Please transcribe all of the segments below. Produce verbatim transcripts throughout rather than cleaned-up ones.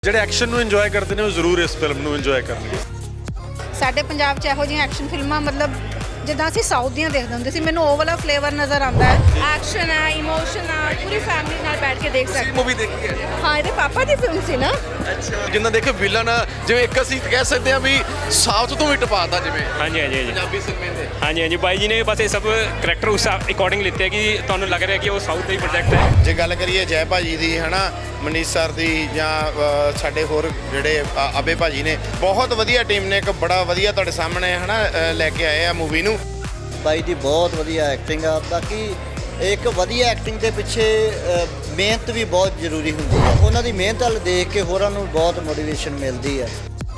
ਜਿਹੜੇ ਐਕਸ਼ਨ ਨੂੰ ਇੰਜੋਏ ਕਰਦੇ ਨੇ ਉਹ ਜ਼ਰੂਰ ਇਸ ਫਿਲਮ ਨੂੰ ਇੰਜੋਏ ਕਰਨਗੇ। ਸਾਡੇ ਪੰਜਾਬ 'ਚ ਇਹੋ ਜਿਹੀਆਂ ਐਕਸ਼ਨ ਫਿਲਮਾਂ ਮਤਲਬ ਜਿੱਦਾਂ ਅਸੀਂ ਸਾਊਥ ਦੀਆਂ ਦੇਖਦੇ ਹੁੰਦੇ ਸੀ, ਮੈਨੂੰ ਉਹ ਵਾਲਾ ਫਲੇਵਰ ਨਜ਼ਰ ਆਉਂਦਾ ਹੈ। ਐਕਸ਼ਨ ਹੈ, ਇਮੋਸ਼ਨ ਹੈ, ਪੂਰੀ ਫੈਮਿਲੀ ਨਾਲ ਬੈਠ ਕੇ ਦੇਖ ਸਕਦੇ। ਮੂਵੀ ਦੇਖੀ ਹੈ? ਹਾਂ, ਇਹਦੇ ਪਾਪਾ ਦੀ ਫਿਲਮ ਸੀ ਨਾ। ਅੱਛਾ, ਜਿੰਨਾ ਦੇਖੋ ਵਿਲਨ ਜਿਵੇਂ ਇੱਕ ਅਸੀਂ ਕਹਿ ਸਕਦੇ ਹਾਂ ਵੀ ਸਾਊਥ ਤੋਂ ਵੀ ਟਪਾਤਾ ਜਿਵੇਂ ਹਾਂਜੀ ਹਾਂਜੀ ਹਾਂਜੀ ਪੰਜਾਬੀ ਸਿਨੇਮੇ ਦੇ। ਹਾਂਜੀ ਹਾਂਜੀ ਬਾਈ ਜੀ ਨੇ ਬਸ ਇਹ ਸਭ ਕਰੈਕਟਰ ਉਸ ਅਕੋਰਡਿੰਗ ਲਿੱਤੇ ਕਿ ਤੁਹਾਨੂੰ ਲੱਗ ਰਿਹਾ ਕਿ ਉਹ ਸਾਊਥ ਦਾ ਹੀ ਪ੍ਰੋਜੈਕਟ ਹੈ। ਜੇ ਗੱਲ ਕਰੀਏ ਜੈ ਭਾਜੀ ਦੀ ਹਨਾ, ਮਨੀਸ਼ ਸਰ ਦੀ ਜਾਂ ਅ, ਸਾਡੇ ਹੋਰ ਜਿਹੜੇ ਅ, ਅਬੇ ਭਾਜੀ ਨੇ, ਬਹੁਤ ਵਧੀਆ ਟੀਮ ਨੇ, ਇੱਕ ਬੜਾ ਵਧੀਆ ਤੁਹਾਡੇ ਸਾਹਮਣੇ ਹਨਾ ਅ, ਲੈ ਕੇ ਆਏ ਆ ਮੂਵੀ ਨੂੰ। ਬਾਈ ਦੀ ਬਹੁਤ ਵਧੀਆ ਐਕਟਿੰਗ ਆ। ਬਾਕੀ ਇੱਕ ਵਧੀਆ ਐਕਟਿੰਗ ਦੇ ਪਿੱਛੇ ਅ, ਮਿਹਨਤ ਵੀ ਬਹੁਤ ਜ਼ਰੂਰੀ ਹੁੰਦੀ ਹੈ। ਉਹਨਾਂ ਦੀ ਮਿਹਨਤ ਵੱਲ ਦੇਖ ਕੇ ਹੋਰਾਂ ਨੂੰ ਬਹੁਤ ਮੋਟੀਵੇਸ਼ਨ ਮਿਲਦੀ ਹੈ।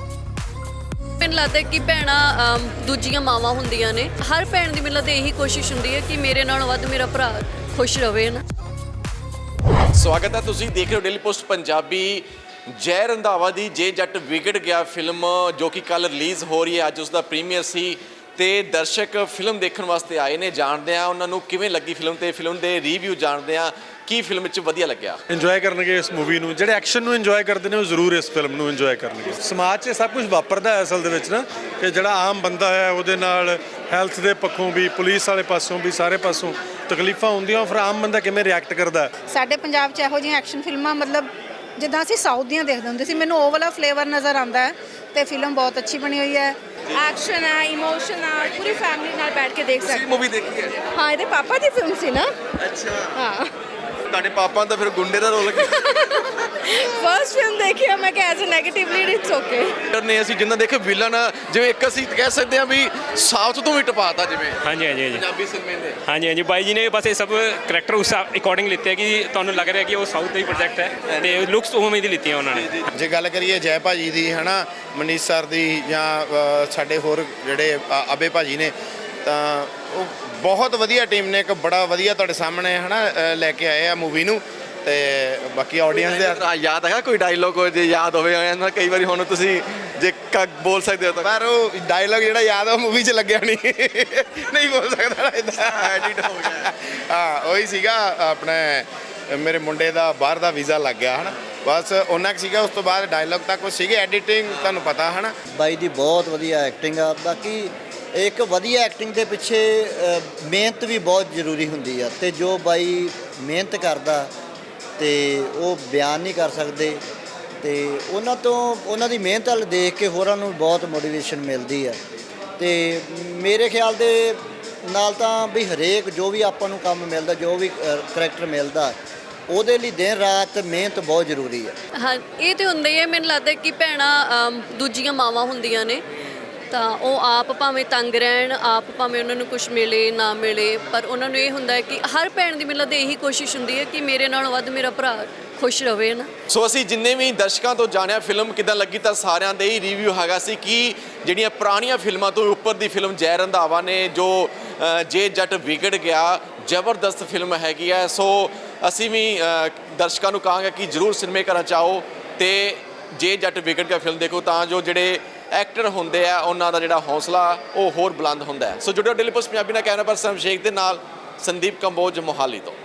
ਮੈਨੂੰ ਲੱਗਦਾ ਕਿ ਭੈਣਾਂ ਦੂਜੀਆਂ ਮਾਵਾਂ ਹੁੰਦੀਆਂ ਨੇ। ਹਰ ਭੈਣ ਦੀ ਮੈਨੂੰ ਲੱਗਦਾ ਇਹੀ ਕੋਸ਼ਿਸ਼ ਹੁੰਦੀ ਹੈ ਕਿ ਮੇਰੇ ਨਾਲੋਂ ਵੱਧ ਮੇਰਾ ਭਰਾ ਖੁਸ਼ ਰਵੇ ਨਾ। ਸਵਾਗਤ ਹੈ, ਤੁਸੀਂ ਦੇਖ ਰਹੇ ਹੋ ਡੇਲੀ ਪੋਸਟ ਪੰਜਾਬੀ। ਜੈ ਰੰਧਾਵਾ ਦੀ ਜੇ ਜੱਟ ਵਿਗੜ ਗਿਆ ਫਿਲਮ ਜੋ ਕਿ ਕੱਲ ਰਿਲੀਜ਼ ਹੋ ਰਹੀ ਹੈ, ਅੱਜ ਉਸ ਦਾ ਪ੍ਰੀਮੀਅਰ ਸੀ ਤੇ ਦਰਸ਼ਕ ਫਿਲਮ ਦੇਖਣ ਵਾਸਤੇ ਆਏ ਨੇ। ਜਾਣਦੇ ਆ ਉਹਨਾਂ ਨੂੰ ਕਿਵੇਂ ਲੱਗੀ ਫਿਲਮ ਤੇ ਫਿਲਮ ਦੇ ਰਿਵਿਊ ਜਾਣਦੇ ਆ ਕੀ ਫਿਲਮ ਵਿੱਚ ਵਧੀਆ ਲੱਗਿਆ। ਇੰਜੋਏ ਕਰਨਗੇ ਇਸ ਮੂਵੀ ਨੂੰ। ਜਿਹੜੇ ਐਕਸ਼ਨ ਨੂੰ ਇੰਜੋਏ ਕਰਦੇ ਨੇ ਉਹ ਜ਼ਰੂਰ ਇਸ ਫਿਲਮ ਨੂੰ ਇੰਜੋਏ ਕਰਨਗੇ। ਸਮਾਜ 'ਚ ਸਭ ਕੁਝ ਵਾਪਰਦਾ ਹੈ ਅਸਲ ਦੇ ਵਿੱਚ ਨਾ, ਕਿ ਜਿਹੜਾ ਆਮ ਬੰਦਾ ਹੈ ਉਹਦੇ ਨਾਲ ਹੈਲਥ ਦੇ ਪੱਖੋਂ ਵੀ, ਪੁਲਿਸ ਵਾਲੇ ਪਾਸੋਂ ਵੀ, ਸਾਰੇ ਪਾਸੋਂ ਤਕਲੀਫਾਂ ਹੁੰਦੀਆਂ, ਫਿਰ ਆਮ ਬੰਦਾ ਕਿਵੇਂ ਰਿਐਕਟ ਕਰਦਾ। ਸਾਡੇ ਪੰਜਾਬ 'ਚ ਇਹੋ ਜਿਹੀਆਂ ਐਕਸ਼ਨ ਫਿਲਮਾਂ ਮਤਲਬ ਜਿੱਦਾਂ ਅਸੀਂ ਸਾਊਥ ਦੀਆਂ ਦੇਖਦੇ ਹੁੰਦੇ ਸੀ, ਮੈਨੂੰ ਉਹ ਵਾਲਾ ਫਲੇਵਰ ਨਜ਼ਰ ਆਉਂਦਾ ਹੈ ਤੇ ਫਿਲਮ ਬਹੁਤ ਅੱਛੀ ਬਣੀ ਹੋਈ ਹੈ। ਐਕਸ਼ਨ ਹੈ, ਇਮੋਸ਼ਨ ਹੈ, ਪੂਰੀ ਫੈਮਿਲੀ ਨਾਲ ਬੈਠ ਕੇ ਦੇਖ ਸਕਦੇ। ਮੂਵੀ ਦੇਖੀ ਹੈ? ਹਾਂ, ਇਹਦੇ ਪਾਪਾ ਦੀ ਫਿਲਮ ਸੀ ਨਾ। ਅੱਛਾ, ਹਾਂ, ਤੁਹਾਡੇ ਪਾਪਾ ਦਾ ਫਿਰ ਗੁੰਡੇ ਦਾ ਰੋਲ ਫਰਸਟ ਫਿਲਮ ਦੇਖੀ ਹੈ ਮੈਂ ਕਿ as a negatively it's okay ਨੇ। ਅਸੀਂ ਜਿੰਨਾ ਦੇਖੋ ਵਿਲਨ ਜਿਵੇਂ ਇੱਕ ਅਸੀਂ ਕਹਿ ਸਕਦੇ ਹਾਂ ਵੀ ਸਾਊਥ ਤੋਂ ਵੀ ਟਪਾਤਾ ਜਿਵੇਂ ਹਾਂਜੀ ਹਾਂਜੀ ਹਾਂਜੀ ਪੰਜਾਬੀ ਸਿਨੇਮੇ ਦੇ। ਹਾਂਜੀ ਹਾਂਜੀ ਬਾਈ ਜੀ ਨੇ ਬਸ ਇਹ ਸਭ ਕਰੈਕਟਰ ਉਸ ਅਕੋਰਡਿੰਗ ਲਿੱਤੇ ਕਿ ਤੁਹਾਨੂੰ ਲੱਗ ਰਿਹਾ ਕਿ ਉਹ ਸਾਊਥ ਦਾ ਹੀ ਪ੍ਰੋਜੈਕਟ ਹੈ ਤੇ ਲੁੱਕਸ ਉਵੇਂ ਦੀ ਲਿੱਤੀਆਂ ਉਹਨਾਂ ਨੇ। ਜੇ ਗੱਲ ਕਰੀਏ ਜੈ ਭਾਜੀ ਦੀ ਹਨਾ, ਮਨੀਸ਼ ਸਰ ਦੀ ਜਾਂ ਅ, ਸਾਡੇ ਹੋਰ ਜਿਹੜੇ ਅ, ਅਬੇ ਭਾਜੀ ਨੇ, ਤਾਂ ਉਹ ਬਹੁਤ ਵਧੀਆ ਟੀਮ ਨੇ, ਇੱਕ ਬੜਾ ਵਧੀਆ ਤੁਹਾਡੇ ਸਾਹਮਣੇ ਹਨਾ ਅ, ਲੈ ਕੇ ਆਏ ਆ ਮੂਵੀ ਨੂੰ। ਤੇ ਬਾਕੀ ਆਡੀਅנס ਦੇ ਹਾਂ, ਯਾਦ ਹੈਗਾ ਕੋਈ ਡਾਇਲੋਗ ਜੇ ਯਾਦ ਹੋਵੇ ਇਹਨਾਂ ਕਈ ਵਾਰੀ ਹੁਣ ਤੁਸੀਂ ਜੇ ਕ ਬੋਲ ਸਕਦੇ ਹੋ ਤਾਂ? ਪਰ ਉਹ ਡਾਇਲੌਗ ਜਿਹੜਾ ਯਾਦ ਆ ਉਹ ਮੂਵੀ 'ਚ ਲੱਗਿਆ ਨਹੀਂ ਨਹੀਂ ਬੋਲ ਸਕਦਾ ਇਦਾਂ, ਐਡਿਟ ਹੋ ਗਿਆ। ਹਾਂ, ਉਹੀ ਸੀਗਾ ਆਪਣੇ ਮੇਰੇ ਮੁੰਡੇ ਦਾ ਬਾਹਰ ਦਾ ਵੀਜ਼ਾ ਲੱਗ ਗਿਆ ਹਨਾ, ਬਸ ਉਹਨਾਂ ਕੁ ਸੀਗਾ। ਉਸ ਤੋਂ ਬਾਅਦ ਡਾਇਲੌਗ ਤੱਕ ਕੁਛ ਸੀਗੇ, ਐਡੀਟਿੰਗ ਤੁਹਾਨੂੰ ਪਤਾ ਹਨਾ। ਬਾਈ ਦੀ ਬਹੁਤ ਵਧੀਆ ਐਕਟਿੰਗ ਆ। ਬਾਕੀ ਇੱਕ ਵਧੀਆ ਐਕਟਿੰਗ ਦੇ ਪਿੱਛੇ ਅ, ਮਿਹਨਤ ਵੀ ਬਹੁਤ ਜ਼ਰੂਰੀ ਹੁੰਦੀ ਆ। ਤੇ ਜੋ ਬਾਈ ਮਿਹਨਤ ਕਰਦਾ ਤੇ ਉਹ ਬਿਆਨ ਨਹੀਂ ਕਰ ਸਕਦੇ, ਤੇ ਉਹਨਾਂ ਤੋਂ ਉਹਨਾਂ ਦੀ ਮਿਹਨਤ ਵੱਲ ਦੇਖ ਕੇ ਹੋਰਾਂ ਨੂੰ ਬਹੁਤ ਮੋਟੀਵੇਸ਼ਨ ਮਿਲਦੀ ਹੈ। ਤੇ ਮੇਰੇ ਖਿਆਲ ਦੇ ਨਾਲ ਤਾਂ ਵੀ ਹਰੇਕ ਜੋ ਵੀ ਆਪਾਂ ਨੂੰ ਕੰਮ ਮਿਲਦਾ, ਜੋ ਵੀ ਕਰੈਕਟਰ ਮਿਲਦਾ, ਉਹਦੇ ਲਈ ਦਿਨ ਰਾਤ ਮਿਹਨਤ ਬਹੁਤ ਜ਼ਰੂਰੀ ਹੈ। ਹਾਂ, ਇਹ ਤੇ ਹੁੰਦਾ ਹੀ ਹੈ। ਮੈਨੂੰ ਲੱਗਦਾ ਕਿ ਭੈਣਾਂ ਦੂਜੀਆਂ ਮਾਵਾਂ ਹੁੰਦੀਆਂ ਨੇ, ਤਾਂ ਉਹ ਆਪ ਭਾਵੇਂ ਤੰਗ ਰਹਿਣ, ਆਪ ਭਾਵੇਂ ਉਹਨਾਂ ਨੂੰ ਕੁਝ ਮਿਲੇ ਨਾ ਮਿਲੇ, ਪਰ ਉਹਨਾਂ ਨੂੰ ਇਹ ਹੁੰਦਾ ਹੈ ਕਿ ਹਰ ਭੈਣ ਦੀ ਮੈਨੂੰ ਲੱਗਦਾ ਇਹੀ ਕੋਸ਼ਿਸ਼ ਹੁੰਦੀ ਹੈ ਕਿ ਮੇਰੇ ਨਾਲੋਂ ਵੱਧ ਮੇਰਾ ਭਰਾ ਖੁਸ਼ ਰਵੇ ਨਾ। ਸੋ ਅਸੀਂ ਜਿੰਨੇ ਵੀ ਦਰਸ਼ਕਾਂ ਤੋਂ ਜਾਣਿਆ ਫਿਲਮ ਕਿੱਦਾਂ ਲੱਗੀ, ਤਾਂ ਸਾਰਿਆਂ ਦੇ ਹੀ ਰਿਵਿਊ ਹੈਗਾ ਸੀ ਕਿ ਜਿਹੜੀਆਂ ਪੁਰਾਣੀਆਂ ਫਿਲਮਾਂ ਤੋਂ ਉੱਪਰ ਦੀ ਫਿਲਮ ਜੈ ਰੰਧਾਵਾ ਨੇ ਜੋ ਅ, ਜੇ ਜੱਟ ਵਿਗੜ ਗਿਆ, ਜ਼ਬਰਦਸਤ ਫਿਲਮ ਹੈਗੀ ਹੈ। ਸੋ ਅਸੀਂ ਵੀ ਅ, ਦਰਸ਼ਕਾਂ ਨੂੰ ਕਹਾਂਗੇ ਕਿ ਜ਼ਰੂਰ ਸਿਨੇਮੇ ਘਰਾਂ 'ਚ ਆਓ ਤੇ ਜੇ ਜੱਟ ਵਿਗੜ ਗਿਆ ਫਿਲਮ ਦੇਖੋ, ਤਾਂ ਜੋ ਜਿਹੜੇ ਐਕਟਰ ਹੁੰਦੇ ਆ ਉਹਨਾਂ ਦਾ ਜਿਹੜਾ ਹੌਸਲਾ ਉਹ ਹੋਰ ਬੁਲੰਦ ਹੁੰਦਾ ਹੈ। ਸੋ ਜੁੜਿਓ ਡੇਲੀ ਪੋਸਟ ਪੰਜਾਬੀ ਨਾਲ। ਕੈਮਰਾ ਪਰਸਨ ਸ਼ੇਖ ਦੇ ਨਾਲ ਸੰਦੀਪ ਕੰਬੋਜ, ਮੋਹਾਲੀ ਤੋਂ।